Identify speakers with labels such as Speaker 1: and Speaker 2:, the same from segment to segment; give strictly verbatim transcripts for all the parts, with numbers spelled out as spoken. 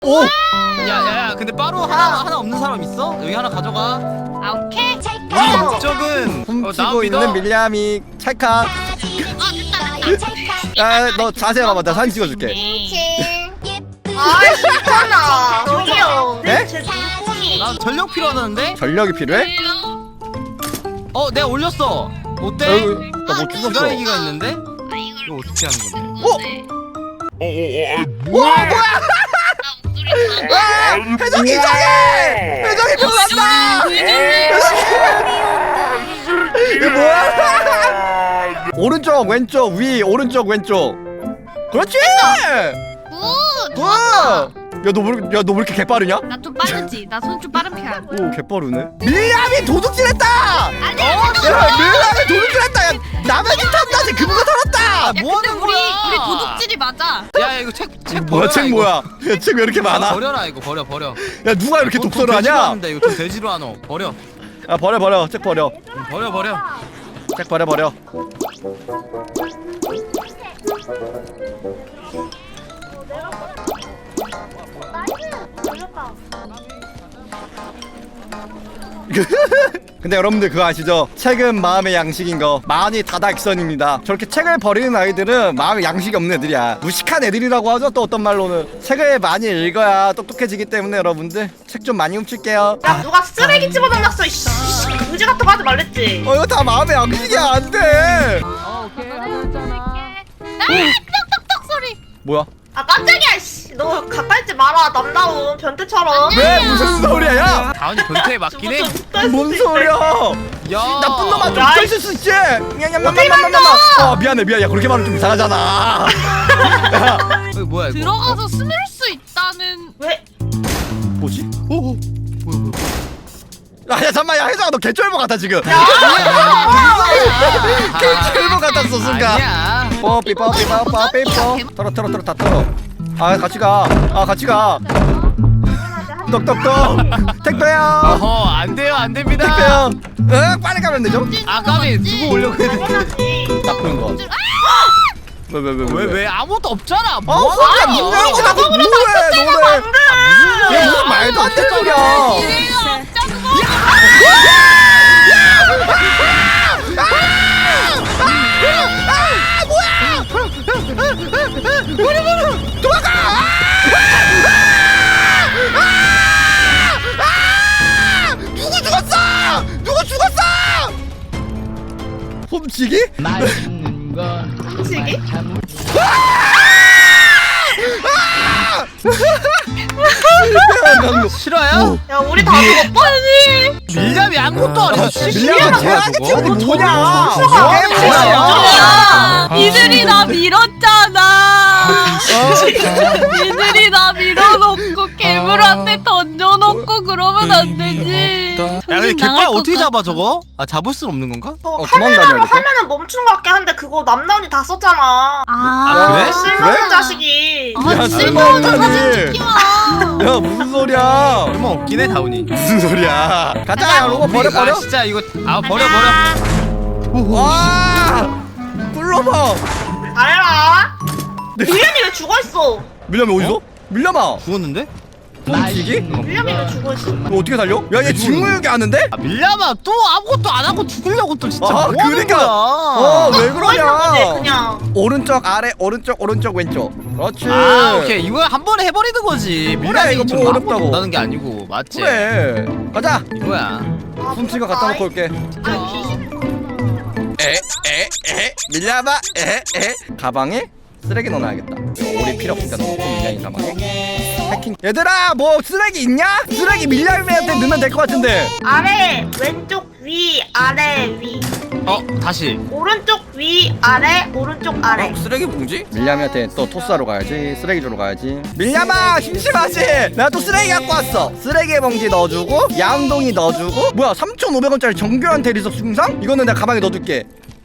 Speaker 1: 오!
Speaker 2: 야야야 근데 바로 하나 하나 없는 사람 있어? 여기 하나 가져가.
Speaker 3: 아 오케이.
Speaker 2: 우리 목적은
Speaker 1: 훔치고 있는 밀리암이 찰칵. 야너 자세히 봐봐, 나 사진 찍어줄게.
Speaker 3: 아 싫잖아. 저기요.
Speaker 1: 네?
Speaker 3: 제 눈뽕이.
Speaker 2: 나 전력 필요하다는데?
Speaker 1: 전력이 필요해?
Speaker 2: 어 내가 올렸어. 어때?
Speaker 1: 나뭐 죽었어.
Speaker 2: 주사위기가 있는데? 이거 어떻게 하는 건데?
Speaker 1: 어? 와 뭐야? 와! 회전이 이상해! 회전이 변한다! 이게 뭐야? 오른쪽 왼쪽 위 오른쪽 왼쪽. 그렇지!
Speaker 3: 굿.
Speaker 1: 굿! 야너 왜, 야, 너 왜 이렇게 개빠르냐?
Speaker 3: 나 좀 빠르지. 나 손 좀 빠른 편.
Speaker 1: 오 개빠르네. 밀리암이 도둑질했다!
Speaker 3: 아니.
Speaker 1: 야 밀리암이 도둑질했다! 야 라면이 탔다지 금고 털었다!
Speaker 3: 야,
Speaker 2: 뭐
Speaker 3: 근데
Speaker 2: 하는
Speaker 3: 우리
Speaker 2: 거야?
Speaker 3: 우리 도둑질이 맞아.
Speaker 2: 야 이거 책 책
Speaker 1: 뭐야 책 뭐야? 책 왜 이렇게 많아?
Speaker 2: 버려라 이거 버려 버려.
Speaker 1: 야 누가 이렇게
Speaker 2: 돈-
Speaker 1: 독서를
Speaker 2: 돈 돼지로
Speaker 1: 하냐?
Speaker 2: 하는데 이거 좀 돼지로 하노. 버려.
Speaker 1: 야 버려 버려 책 버려.
Speaker 2: 응, 버려 버려.
Speaker 1: 책 버려 버려. 근데 여러분들 그거 아시죠? 책은 마음의 양식인 거. 마흔이 다다익선입니다. 저렇게 책을 버리는 아이들은 마음의 양식이 없는 애들이야. 무식한 애들이라고 하죠. 또 어떤 말로는. 책을 많이 읽어야 똑똑해지기 때문에 여러분들 책 좀 많이 훔칠게요.
Speaker 4: 야 누가 쓰레기 집어던졌어 이씨. 의지 같은 거 하지 말랬지.
Speaker 1: 어 이거 다 마음의 양식이야. 안돼.
Speaker 2: 어 오케이.
Speaker 3: 아 똑똑똑 소리.
Speaker 1: 뭐야?
Speaker 4: 아 깜짝이야 씨. 너 가까이 있지 마라 남다운 변태처럼.
Speaker 1: 왜 무슨 소리야? 야!
Speaker 2: 다운이 변태에 맞긴 해.
Speaker 1: 뭔 소리야?
Speaker 2: 야
Speaker 1: 나쁜 놈아 좀
Speaker 4: 야,
Speaker 1: 껴있을 수 있지. 어 미안해 미안해. 야 그렇게 말하면 좀 이상하잖아.
Speaker 2: 이거 뭐야 이거?
Speaker 3: 들어가서 숨을 수 있다는.
Speaker 4: 왜?
Speaker 1: 뭐지?
Speaker 2: 오, 오. 뭐야 뭐야?
Speaker 1: 아야 잠만 야 혜정아 너 개쩔보 같아 지금.
Speaker 2: 아니야.
Speaker 1: 개쩔보 같았어 순간.
Speaker 2: 아니야.
Speaker 1: 뽀삐 뽀삐 뽀삐 뽀. 털어 털어 털어 다 털어. 아 같이 가. 아 같이 가. 똑똑똑. 택배요.
Speaker 2: 어허 안 돼요 안 됩니다.
Speaker 1: 택배요. 응 빨리 가면 되죠?
Speaker 2: 아 까비 두고 오려고 했는데.
Speaker 1: 나쁜 거. 왜 왜 왜
Speaker 2: 왜 왜 아무것도 없잖아.
Speaker 1: 어
Speaker 2: 뭐
Speaker 1: 혼자
Speaker 2: 하냐?
Speaker 1: 문 열고 나고 뭐해 너네. 야 무슨 말도 안 되는 소리야. 누구 죽었어? 누구 죽었어? 훔치기?
Speaker 4: 훔치기?
Speaker 2: 싫어요?
Speaker 4: 야 우리 다 죽었어?
Speaker 2: 밀잡이 아무것도 안 해.
Speaker 1: 밀려가 최악의 팀이 뭐냐?
Speaker 4: 아,
Speaker 1: 게임 뭐야?
Speaker 3: 이들이 나 밀었잖아. 이들이 나 밀어놓고 괴물한테 던져놓고 그러면 안 되지.
Speaker 2: 야 근데 갯발 어떻게 잡아 저거? 아 잡을 순 없는 건가?
Speaker 4: 저
Speaker 1: 어, 그만
Speaker 4: 카메라로
Speaker 1: 다녀야겠다.
Speaker 4: 하면은 멈추는 것 같긴 한데 그거 남다운이 다 썼잖아.
Speaker 2: 아, 그래?
Speaker 4: 쓸모없는
Speaker 1: 그래?
Speaker 4: 자식이.
Speaker 3: 아
Speaker 1: 야,
Speaker 3: 쓸모없는
Speaker 1: 쓸모없다니.
Speaker 3: 사진 찍기와.
Speaker 1: 야 무슨 소리야?
Speaker 2: 얼마 없긴 해 다운이.
Speaker 1: 무슨 소리야? 가자 야 로봇 버려 버려.
Speaker 2: 아 진짜 이거 아 버려 버려.
Speaker 1: 와 꿀러봐.
Speaker 4: 잘해라. 밀련이 왜 죽어있어?
Speaker 1: 밀려면 어디서? 밀려마.
Speaker 2: 죽었는데?
Speaker 1: 훔치기?
Speaker 4: 밀련이 왜 죽어있어?
Speaker 1: 너 어떻게 살려? 야얘 직무유기 하는데?
Speaker 2: 아 밀려봐 또 아무것도 안 하고 죽으려고 또 진짜
Speaker 1: 아,
Speaker 2: 뭐 하는
Speaker 1: 그러니까.
Speaker 2: 거야?
Speaker 1: 어왜
Speaker 4: 죽어있는 거지
Speaker 1: 그러냐?
Speaker 4: 그냥.
Speaker 1: 오른쪽 아래 오른쪽 오른쪽 왼쪽. 그렇지.
Speaker 2: 아 오케이 이거 한 번에 해버리는 거지.
Speaker 1: 그래, 이거 뭐 어렵다고.
Speaker 2: 못하는 게 아니고 맞지?
Speaker 1: 그래. 가자.
Speaker 2: 이거야.
Speaker 1: 훔친 거 갖다 놓고 올게. 에에에 밀려봐 에에 가방에 쓰레기 넣어놔야겠다. 오리 필요 없으니까 넣고 밀량이 가방에. 해킹. 얘들아 뭐 쓰레기 있냐? 쓰레기 밀량이한테 넣으면 될 것 같은데.
Speaker 4: 아래 왼쪽 위 아래 위.
Speaker 2: 어 다시.
Speaker 4: 오른쪽 위 아래 오른쪽 아래.
Speaker 2: 쓰레기 봉지?
Speaker 1: 밀람이한테 또 토스하러 가야지. 쓰레기 주러 가야지. 밀람아 심심하지? 내가 또 쓰레기 갖고 왔어. 쓰레기 봉지 넣어주고 양동이 넣어주고. 뭐야 삼천오백 원짜리 정교한 대리석 중상? 이거는 내가 가방에 넣어둘게.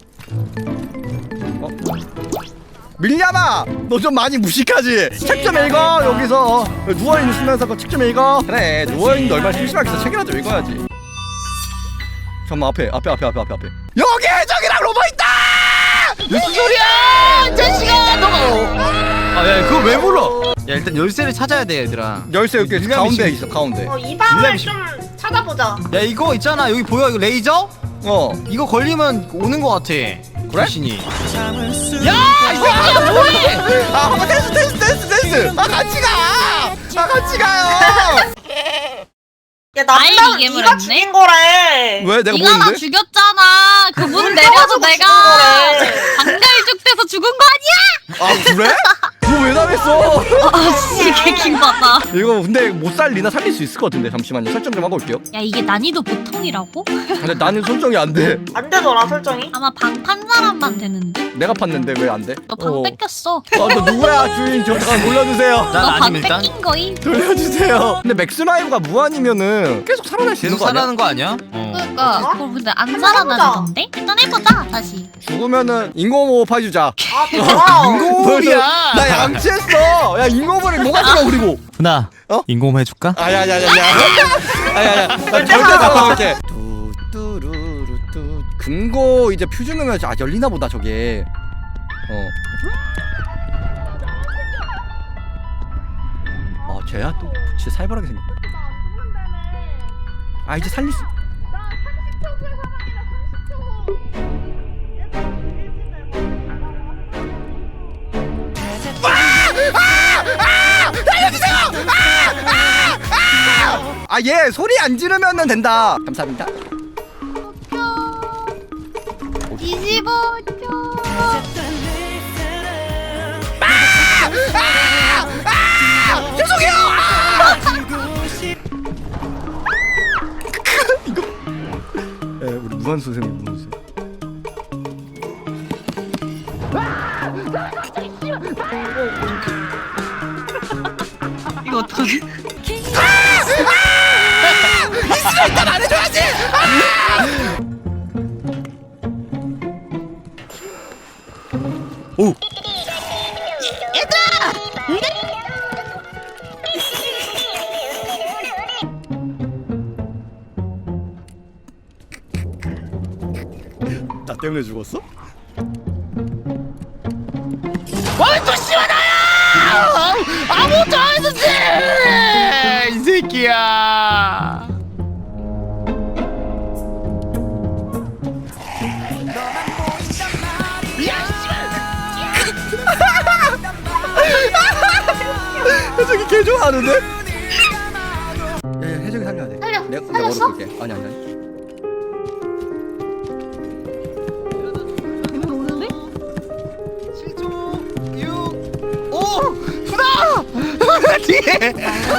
Speaker 1: 어? 밀람아 너 좀 많이 무식하지? 책 좀 읽어 여기서. 어, 누워있으면서 그 책 좀 읽어. 그래 누워있는데 얼마나 심심하겠어. 책이라도 읽어야지. 잠깐만 앞에 앞에 앞에 앞에 앞에 앞에 여기 해적이랑 로봇 있다!
Speaker 3: 무슨 소리야? 자식아 너가.
Speaker 2: 아야 그거 왜 불러? 야 일단 열쇠를 찾아야 돼 얘들아.
Speaker 1: 열쇠 여기
Speaker 2: 유리함이
Speaker 1: 가운데
Speaker 2: 있어.
Speaker 1: 있어 가운데.
Speaker 4: 어, 이 방을
Speaker 2: 유리함이
Speaker 4: 좀 찾아보자.
Speaker 2: 야 이거 있잖아 여기 보여 이거 레이저?
Speaker 1: 어
Speaker 2: 이거 걸리면 오는 거 같아.
Speaker 1: 그래?
Speaker 2: 귀신이. 야! 이 새끼야 뭐해!
Speaker 1: 아 한번 댄스 댄스 댄스 댄스. 아 같이 가. 아 같이 가요.
Speaker 4: 야 남자는
Speaker 3: 아이, 이게
Speaker 4: 네가
Speaker 3: 뭐랬네?
Speaker 4: 죽인 거래.
Speaker 1: 왜 내가
Speaker 3: 네가 나
Speaker 1: 뭐였는데?
Speaker 3: 죽였잖아. 그분 내려서
Speaker 4: 가지고
Speaker 3: 내가
Speaker 4: 죽은 거래.
Speaker 3: 방갈죽돼서 죽은 거 아니야?
Speaker 1: 아 그래? 너 왜 나랬어?
Speaker 3: 아씨 개킹받다.
Speaker 1: 이거 근데 못 살리나 살릴 수 있을 것 같은데 잠시만요 설정 좀 하고 올게요.
Speaker 3: 야 이게 난이도 보통이라고?
Speaker 1: 근데 나는 설정이 안 돼.
Speaker 4: 안 되더라 설정이.
Speaker 3: 아마 방 판 사람만 되는데.
Speaker 1: 내가 팠는데 왜 안 돼?
Speaker 3: 너 방
Speaker 1: 어.
Speaker 3: 뺏겼어.
Speaker 1: 아, 너 누구야 주인 저 잠깐 돌려주세요.
Speaker 2: 난
Speaker 3: 너 방
Speaker 2: 아님 일단.
Speaker 3: 뺏긴 거임.
Speaker 1: 돌려주세요. 근데 맥스라이브가 무한이면은 계속 살아날 수 있는
Speaker 2: 계속
Speaker 1: 거 아니야?
Speaker 2: 살아는 거 아니야? 어.
Speaker 3: 그러니까
Speaker 4: 어?
Speaker 3: 그걸 근데 안 살아나던데? 일단 해보자 다시.
Speaker 1: 죽으면은 인공호흡 해주자.
Speaker 4: 아 좋아.
Speaker 2: 인공호흡이야.
Speaker 1: 나 양치했어. 야 인공호흡이 뭐가 들어 그리고.
Speaker 2: 훈아
Speaker 1: 어?
Speaker 2: 인공호흡 해줄까?
Speaker 1: 아야야야야. 아야야. 나 절대 잡아갈게. 뚜뚜루루뚜. 금고 이제 퓨즈 넣으면 아 열리나 보다 저게. 어. 아 쟤야 또 진짜 살벌하게 생겼다. 아 이제 살릴 수. 아 얘 소리 안 지르면은 된다. 감사합니다.
Speaker 3: 뒤집어 줘.
Speaker 1: 죄송해요. 이거. 에 우리 무한 선생님 무슨.
Speaker 3: 이거 어떡하지?
Speaker 1: 일단 안 해줘야지. 오. 나 때문에 죽었어?
Speaker 2: 와또 시원하야! 아무것도 안 했었지! 이 새끼야!
Speaker 1: 해적이 개 좋아하는데? 야야 해적이 살려야 돼.
Speaker 4: 살려.
Speaker 1: 내가 내가
Speaker 4: 살렸어?
Speaker 1: 얼어볼게. 아니 아니 아니.
Speaker 3: 괴물 오는데?
Speaker 2: 칠 초, 육, 오! 훈아! 훈아 뒤에!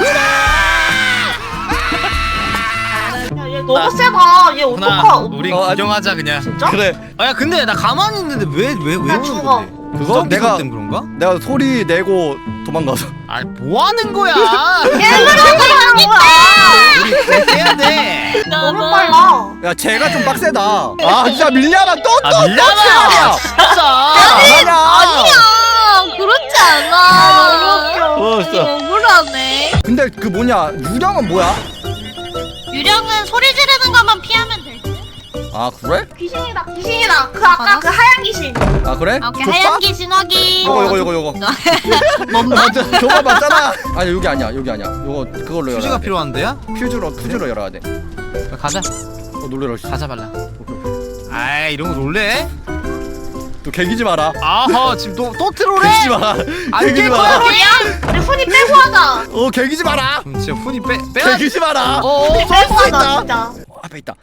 Speaker 4: 야얘 너무 세다. 얘
Speaker 2: 훈아
Speaker 4: 어떡하?
Speaker 2: 우리
Speaker 1: 어, 아니-
Speaker 2: 구경하자 그냥.
Speaker 4: 진짜?
Speaker 1: 그래.
Speaker 2: 아야 근데 나 가만히 있는데 왜 왜 왜
Speaker 4: 나
Speaker 2: 오는
Speaker 4: 죽어.
Speaker 2: 건데?
Speaker 1: 그거
Speaker 2: 무전기
Speaker 1: 내가-
Speaker 2: 소리 때문에 그런가?
Speaker 1: 내가 소리 내고 도망가서.
Speaker 2: 아니 뭐 하는 거야? 우리 꼭 해야 돼.
Speaker 4: 너무 빨라.
Speaker 1: 야 쟤가 좀 빡세다. 아 진짜 밀려라 또또
Speaker 2: 아 밀려라. 진짜.
Speaker 1: 아니야.
Speaker 3: 아니야 그렇지 않아.
Speaker 1: 어, 진짜.
Speaker 3: 억울하네.
Speaker 1: 근데 그 뭐냐 유령은 뭐야?
Speaker 3: 유령은 소리 지르는 것만 피하면 될 듯?
Speaker 1: 아 그래?
Speaker 4: 귀신이다 귀신이다. 그 아까
Speaker 3: 알아?
Speaker 4: 그 하얀 귀신.
Speaker 1: 아 그래?
Speaker 3: 오케이
Speaker 1: 줬어?
Speaker 3: 하얀 귀신 확인.
Speaker 1: 요거 요거 요거 요거. 맞아 저거 맞잖아. 아니 여기 아니야 여기 아니야. 요거 그걸로 열어야
Speaker 2: 휴지가
Speaker 1: 돼.
Speaker 2: 필요한데요?
Speaker 1: 퓨즈로 퓨즈로 열어야 돼.
Speaker 2: 가자.
Speaker 1: 어 놀래라. 씨.
Speaker 2: 가자 발라. 아이 이런 거 놀래?
Speaker 1: 또 개기지 마라.
Speaker 2: 아하 지금 또 또 트롤해?
Speaker 1: 개기지 마라.
Speaker 2: 안
Speaker 1: 개기지
Speaker 2: 깰
Speaker 1: 마라.
Speaker 2: 거야?
Speaker 4: 우리 훈이 빼고 하자.
Speaker 1: 어 개기지 마라.
Speaker 2: 그럼 진짜 훈이 빼 빼야.
Speaker 1: 개기지 마라.
Speaker 2: 어.
Speaker 4: 빼고 하자 진짜.
Speaker 1: 어, 앞에 있다.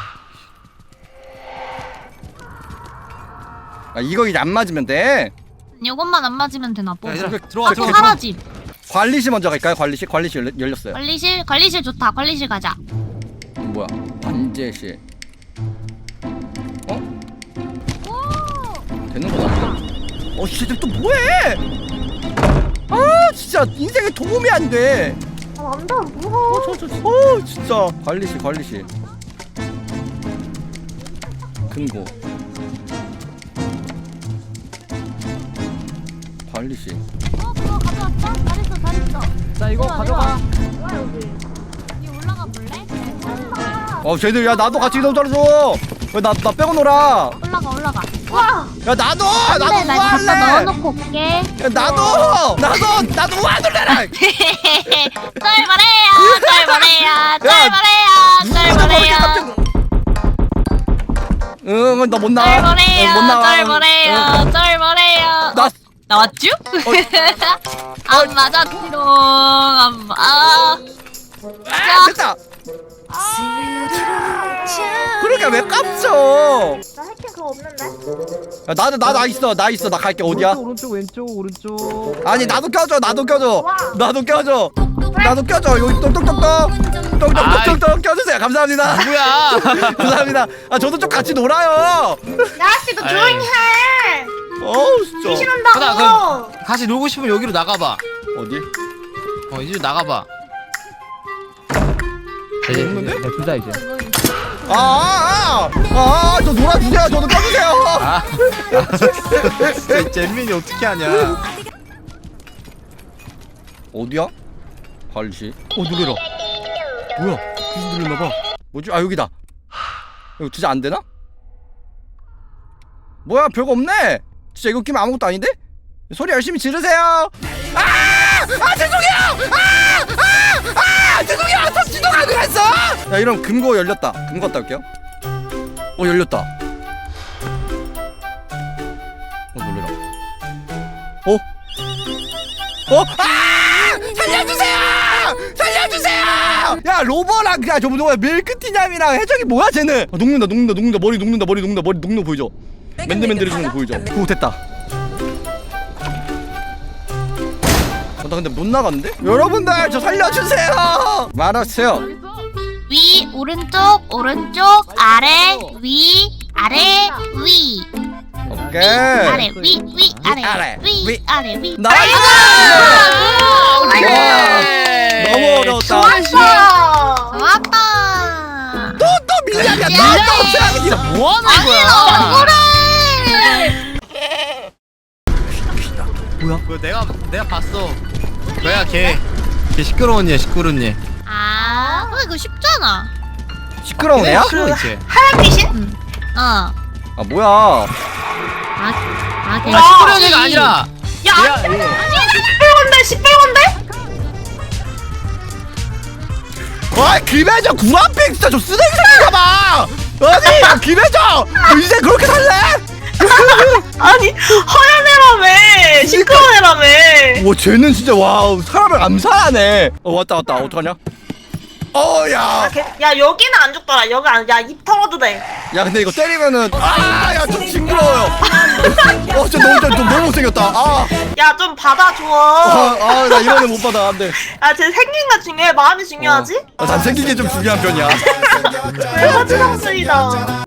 Speaker 1: 아 이거 이제 안 맞으면 돼.
Speaker 3: 이것만 안 맞으면 되나 보.
Speaker 2: 야, 얘들아,
Speaker 1: 그-
Speaker 2: 들어와
Speaker 1: 그-
Speaker 3: 또
Speaker 2: 들어와.
Speaker 3: 사라짐.
Speaker 1: 관리실 먼저 갈까요? 관리실 관리실 열려, 열렸어요.
Speaker 3: 관리실 관리실 좋다. 관리실 가자.
Speaker 1: 뭐야? 관제실. 어? 되는 거 같아. 어, 쟤들 또 뭐해? 아, 진짜 인생에 도움이 안 돼.
Speaker 4: 아 남자 무서워.
Speaker 1: 어, 저, 저, 어, 진짜. 관리실, 관리실. 금고. 관리실.
Speaker 3: 어 그거 가져왔어? 잘했어 잘했어.
Speaker 2: 자 이거 가져가.
Speaker 3: 이 올라가 볼래?
Speaker 1: 어, 쟤들 야 나도 같이 너무 잘해줘. 왜 나 나 빼고 놀아?
Speaker 3: 올라가 올라가.
Speaker 4: 와.
Speaker 1: 야 나도 나도
Speaker 3: 근데 나 갖다
Speaker 1: 우아할래.
Speaker 3: 넣어놓고 올게.
Speaker 1: 야 나도 나도 나도 우아 놀래라.
Speaker 3: 쩔버래요, 쩔버래요, 쩔버래요,
Speaker 1: 누가 뭐 이렇게 깜짝
Speaker 3: 쩔버래요.
Speaker 1: 응, 나 못 나와.
Speaker 3: 쩔버래요,
Speaker 1: 어, 못 나와.
Speaker 3: 쩔버래요,
Speaker 1: 응.
Speaker 3: 쩔버래요.
Speaker 1: 나
Speaker 3: 나왔쥬? 안 맞았지롱. 안 마. 아,
Speaker 1: 아, 됐다. 그러니까 왜 깜쳐?
Speaker 4: 나 해킹 그거 없는데.
Speaker 1: 야, 나도 나 나 있어 나 있어 나 갈게 어디야?
Speaker 2: 오른쪽 왼쪽 오른쪽.
Speaker 1: 아니 나도 껴줘 나도 껴줘
Speaker 4: 와.
Speaker 1: 나도 껴줘 나도 껴줘 여기 똑똑똑똑 똑똑똑똑 껴주세요 감사합니다.
Speaker 2: 누구야?
Speaker 1: 감사합니다. 아 저도 좀 같이 놀아요.
Speaker 4: 야씨 너 조용히 해.
Speaker 1: 어우 진짜.
Speaker 4: 귀신한다고.
Speaker 2: 같이 놀고 싶으면 여기로 나가봐.
Speaker 1: 어디?
Speaker 2: 어 이제 나가봐.
Speaker 1: 없는데?
Speaker 2: 둘다 이제.
Speaker 1: 아아아아저 놀아주세요. 저도 껴주세요.
Speaker 2: 아. 잼민이 어떻게 하냐?
Speaker 1: 어디야? 관리실. 어 놀래라. 뭐야? 귀신 들렸나봐. 뭐지? 아 여기다. 이거 진짜 안 되나? 뭐야 별거 없네. 진짜 이거 끼면 아무것도 아닌데? 소리 열심히 지르세요. 아! 아 죄송해요. 아! 아! 아! 죄송해요. 저 지도 가능했어. 야 이러면 금고 열렸다. 금고 갔다 올게요. 어 열렸다. 어 놀래라. 어? 어? 아! 살려주세요! 살려주세요! 야 로버랑 그냥 저 뭐야 밀크티냠이랑 해적이 뭐야 쟤는? 아, 녹는다 녹는다 녹는다 머리 녹는다 머리 녹는다 머리 녹는 거 보이죠? 맨들맨들해지는 거 보이죠? 오 됐다. 어, 나 근데 못 나갔는데? 여러분들 저 살려주세요! 말하세요.
Speaker 3: 위, 오른쪽, 오른쪽, 아래, 위, 아래, 위.
Speaker 1: 오케이.
Speaker 3: 아래, 위, 위, 아래,
Speaker 1: 아래,
Speaker 3: 위,
Speaker 1: 위.
Speaker 3: 아래, 위.
Speaker 1: 나이스! 와, 너무 어려웠다.
Speaker 4: 좋았어.
Speaker 3: 좋았다.
Speaker 1: 또 또 밀리야 나또 최악이야.
Speaker 2: 뭐 하는
Speaker 3: 아니,
Speaker 2: 거야?
Speaker 3: 너 억울해.
Speaker 1: 뭐야?
Speaker 2: 그 내가 내가 봤어. 뭐야 걔? 걔 시끄러운 얘 시끄러운 얘.
Speaker 3: 아, 근데 그거 쉽잖아.
Speaker 1: 시끄러운 애야?
Speaker 2: 시끄러운 쟤.
Speaker 4: 하얀 귀신?
Speaker 3: 어.
Speaker 1: 아 뭐야?
Speaker 3: 아, 아,
Speaker 2: 아 시끄러운 애가 아니라.
Speaker 4: 야,
Speaker 2: 야,
Speaker 4: 십팔 건데, 십팔 건데?
Speaker 1: 아 김혜정 구한팩 진짜 저 쓰레기 새끼가봐. 아니 김혜정 너 이제 그렇게 살래?
Speaker 4: 아니, 하얀 애라며. 시끄러운 애라며.
Speaker 1: 와 쟤는 진짜 와 사람을 암살하네. 어 왔다 왔다 어떡하냐? 어야
Speaker 4: 야, 여기는 안 죽더라. 여기 안, 야, 입 털어도 돼.
Speaker 1: 야 근데 이거 때리면은 아야 좀 징그러워요. 어 진짜 너무 좀 너무 못생겼다. 아
Speaker 4: 야, 좀 받아줘.
Speaker 1: 아 나 이거는 못 받아 안돼.
Speaker 4: 야, 쟤 생긴 거 중요해. 마음이 중요하지?
Speaker 1: 어, 난 생긴 게 좀 중요한 편이야.
Speaker 4: 외모지상주의다.